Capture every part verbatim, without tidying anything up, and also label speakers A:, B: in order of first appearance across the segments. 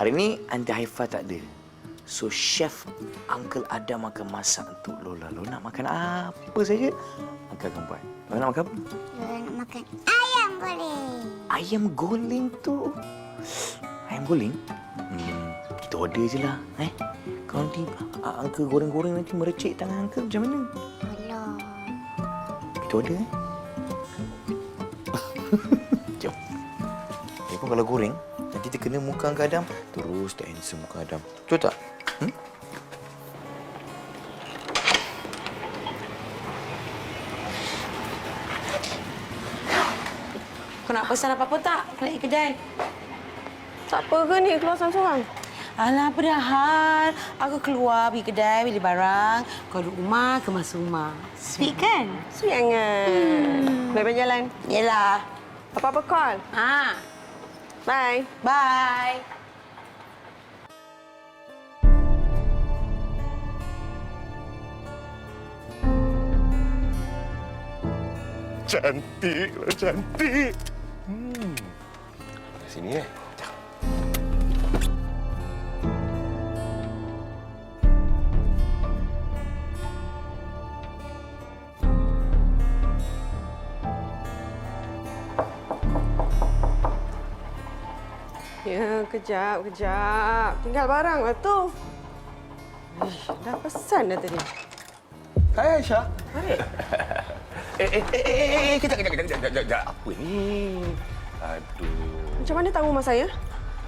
A: hari ni Aunty Haifah tak ada. So, Chef Uncle Adam akan masak untuk Lola. Lola nak makan apa saja, Uncle akan buat. Lola nak makan apa?
B: Lola nak makan ayam goreng.
A: Ayam goreng tu. Ayam goreng? Hmm, kita order je lah. Eh? Kalau nanti uh, Uncle goreng-goreng nanti merecik tangan Uncle macam mana?
B: Alah.
A: Kita order eh? Jom. Dia pun kalau goreng, nanti kita kena muka Uncle Adam. Terus tak handsome muka Adam. Betul tak? Hmm?
C: Kau nak pesan apa-apa tak? Kau nak pergi kedai?
D: Tak apa ke ni keluar seorang-seorang?
C: Alah, padahal aku keluar pergi kedai, beli barang. Kau duduk rumah, kemas rumah. Sweet kan?
D: Sweet sangat. Hmm. Baik-baik jalan.
C: Yelah.
D: Apa-apa call.
C: Ha.
D: Bye.
C: Bye.
E: Cantik lah, cantik. Hmm. Sini eh.
D: Ya, kejap, kejap. Tinggal barang lah tu. Ish, dah pesan dah tadi.
E: Hai, Aisyah.
D: Hai.
E: Eh, eh, eh, eh, eh, kejap, kejap, kejap, kejap, kejap. Apa ni? Aduh.
D: Macam mana tahu rumah saya?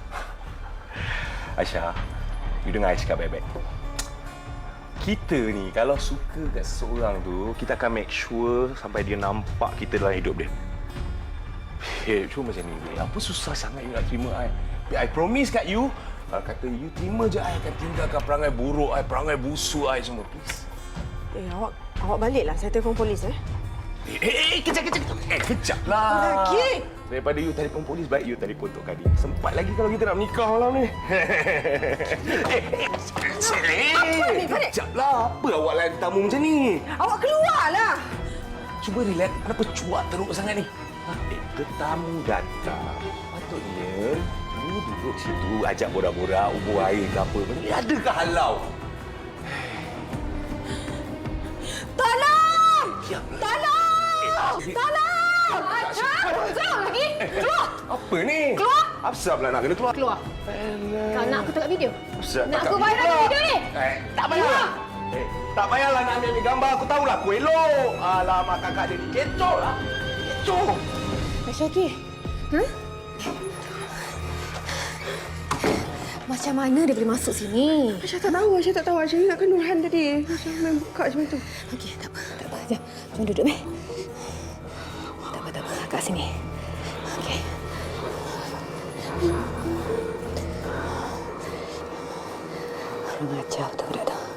E: Aisyah, you dengar I cakap baik-baik. Kita ni, kalau suka kat seseorang tu, kita akan make sure sampai dia nampak kita dalam hidup dia. Eh, cuma macam ni. Apa susah sangat you nak terima I? I promise kat you, kalau kata you terima je, I akan tinggalkan perangai buruk I, perangai busuk I semua. Please.
D: Eh, awak awak baliklah. Saya telefon polis, eh.
E: Eh, eh, eh kejap, kejap, kejap. Eh, kejap lah.
D: Lagi.
E: Daripada you telefon polis, baik you telefon Tok Kadi. Sempat lagi kalau kita nak menikah malam ni. Eh, eh, kejap lah. Apa awak layan tamu macam ni?
D: Awak keluarlah.
E: Cuba relax. Kenapa cuak teruk sangat ni? Ha? Eh, tetamu datang. Patutnya, you duduk situ, ajak borak-borak, ubur air ke apa. Ni adakah halau?
D: Tolong!
E: Ya.
D: Tolong!
E: Eh,
D: Tolong! Keluar lagi! Keluar!
E: Apa ni?
D: Keluar!
E: Apasal pula nak kena keluar?
D: Keluar.
E: Alah.
D: Kau nak aku tengok video?
E: Apasal
D: Nak
E: tak
D: aku
E: kat
D: viral
E: video
D: video ni?
E: Eh, tak payah. Eh, tak payahlah nak ambil gambar. Aku tahulah aku elok. Alamak, kakak dia ni kecoh lah. Kecoh.
F: Syakir, huh? Macam mana dia boleh masuk sini?
D: Aisyah tak tahu. Aisyah tak tahu. Aisyah ingatkan Nurhan tadi. Aisyah main buka macam tu.
F: Okey, tak apa, tak apa. Jom, jom duduk, Meh. Tak apa, tak apa. Kat sini. Okey. Kurang ajar betul budak tu.